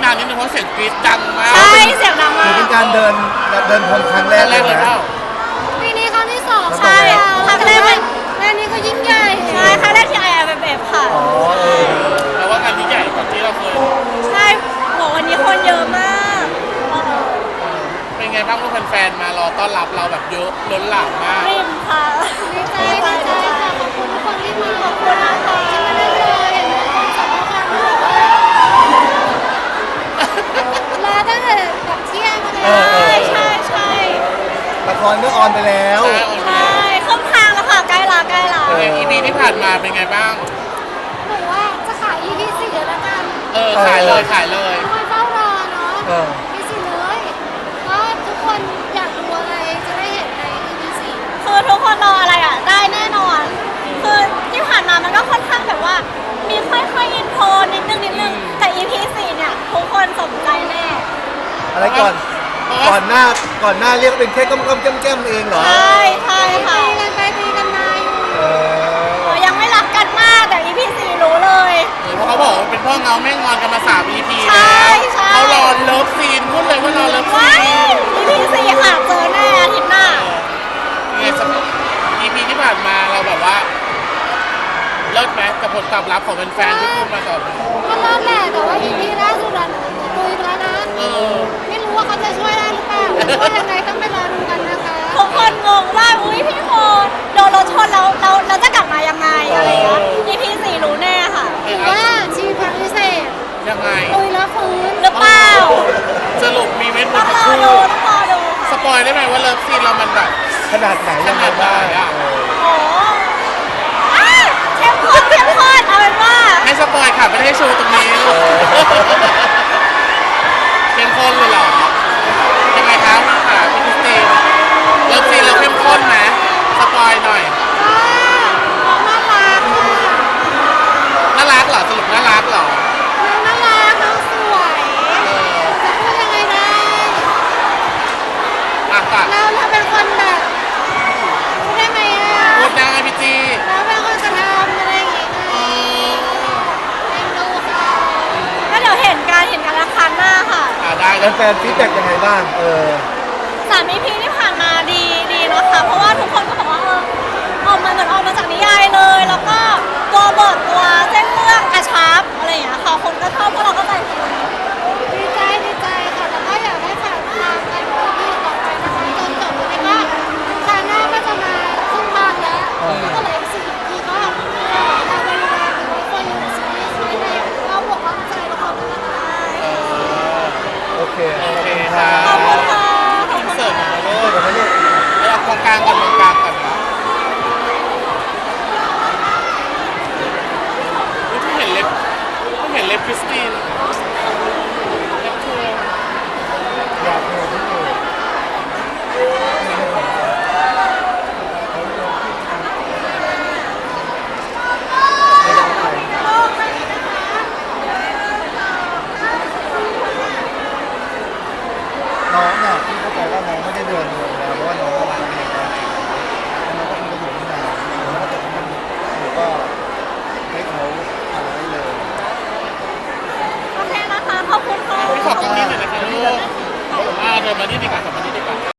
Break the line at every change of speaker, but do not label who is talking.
างนิดนึงเพราะเสียงกรี๊ดดังมาก
ใช่เสียงดังมา
ถือก เป็นการเดินพรมครั้งแรก
แรกเลย
นะ
เปล่า
ปีนี้ครั้งที่สอง
ใช่
ครั้งแรกงานนี้ก็ยิ่งใหญ่ใช่ครั้งแรกที่ IFFF ค่ะ
อ๋อเออ
แต่ว่างานที่ใหญ่กว่าที่เราเคย
ใช่บอกวันนี้คนเยอะมาก
เป็นไงบ้างลูกแฟนๆมารอต้อนรับเราแบบเยอะล้นหลามมาก
ริมค่ะดีใจค่ะขอบคุณทุกคนที่มาขอบคุณนะคะที่มาได้เลยเห็นทุกคนสำคัญมากรอตั้งแต่แบบเที่ยงมาเลยใช่
ละครก็ออนไปแล้ว
ใช่ครึ่งทางแล้วค่ะใกล้ละ
EP ที่ผ่านมาเป็นไงบ้าง
หนูว่าจะขาย EP 4แล้วกัน
ขายเลยขายเลย
ทุกคนเฝ้ารอเนาะ
เออ
EP 4เลยก็ทุกคนอยากดูอะไรจะได้เห็นใน EP 4คือทุกคนรออะไรอ่ะได้แน่นอนคือที่ผ่านมามันก็ค่อนข้างแบบว่ามีค่อยๆอินโทรนิดนึงแต่ EP 4เนี่ยทุกคนสนใจแน่
อะไรก่อนหน้าเรียกว่าเป็นแค่ก้มๆแก้มๆเองเหรอ
ใช่ค่ะตีกันไปตีกันมาอยู่
เออ
ยังไม่รักกันมากแต่ EP 4รู้เลย
เพราะเขาบอกว่าเป็นพ่อเงาแม่งอนกันมา3 EP
ใช่
แล้วเขารอเลิฟซีนพูดเลยว่ารอเลิฟซี
ว้าย
น
EP 4ค่ะเจอแน่อาทิตย์หน้า
เนี่ยสำหรับ EP ที่ผ่านมาเราแบบว่าเลิศไหมกับผลตอบรับของแฟนๆที่พูดมาก่อน
ก็เลิศแหละแต่ว่า EP ล่าสุดอะหนูดูอีกแล้วนะ ไม่รู้ว่าเขาจะช่วยได้หรือเปล่าช่วยยังไงต้องไปรอดูกันนะคะทุกคนงงว่าอุ้ยพี่โมโดนรถชนแล้วเราจะกลับมายังไงอะไรอย่างเงี้ย EP 4รู้แน่ค่ะว่าชีวิตพิเศษ
ยังไง
ตุยแล้วฟื้นหรือเปล่า
สรุปมีเม็ด
ต้
มั
อน ง
จะ
รอ
คู่
ดูต้องรอดู
ส
ค่ะ
ปอยได้ไหมว่าเลิฟซีนเรามันแบบ
ขนาดไหนยังไงบ้าง
โอ้อ้าวเข้มข้นเอาเป็นว่า
ให้สปอยค่ะไม่ได้ให้โชว์ตรงนี้เข้มข้นเลยเหรอยังไงคะค่ะพี่คริสตินเลิฟซีนเราเข้มข้นไหมสปอยหน่อย
น้องน่ารัก
น่ารักเหรอสรุปน่ารักเหรอ
น้องน่ารักน้องสวยจะพูดยังไงได้
อ่ะค่ะ
เราเป็นคนแบบพูดได้ไหมอ่ะ
พูดได้พี่จี
เราเป็นคนกระทำอะไรอย่างเงี้ยเอ็นดูค่ะก็เดี๋ยวเห็นกันละครั้งหน้าค่ะ
ได้แล้ว
แฟนฟีดแบ็กยังไงบ้าง
3 EP ที่ผ่านมาดีนะคะเพราะว่าทุกคนก็บอกว่าออกมาเหมือนออกมาจากนิยายเลย แล้วก็ตัวบทตัวเส้นเรื่องกระชับอะไรอย่างเงี้ยค่ะคนก็ชอบพวกเราก็ใจฟูดีใจค่ะแล้วก็อยากให้ฝากตามกันดูที่ต่อไปนะคะจนจบแล้วก็ครั้งหน้าก็จะมาครึ่งทางแล้วก็เลย4 EP ก็เราไปดูแลทุกคนอยู่ซีรีส์ไว้ในเราบวกกำลังใจละครกันนะคะ
โอเค
โอเคค่ะ
ขอบคุณค่ะ
อินเสิร์ตมาเล
เออย เดี๋ยวมาลูก
เอาตรงกลางก่อนตรงกลางก่อนนะเพิ่งเห็นเล็บคริสตินเล็บเธอ
อยากเห็นที่อยู่น้องเนี่ยพี่เข้าใจว่าน้องไม่ได้เดินเลยแล้วเพราะว่าน้องก็วางเองแล้วน้องก็คงจะอยู่ที่ไหนแล้วก็จะทำหนูก็ให้เขาทำได้เลย
โอเคนะคะ ขอบคุณค่ะ
พี่ขอบตรงนี้หน่อยนะคะลูกเดินมานี่ดีกว่า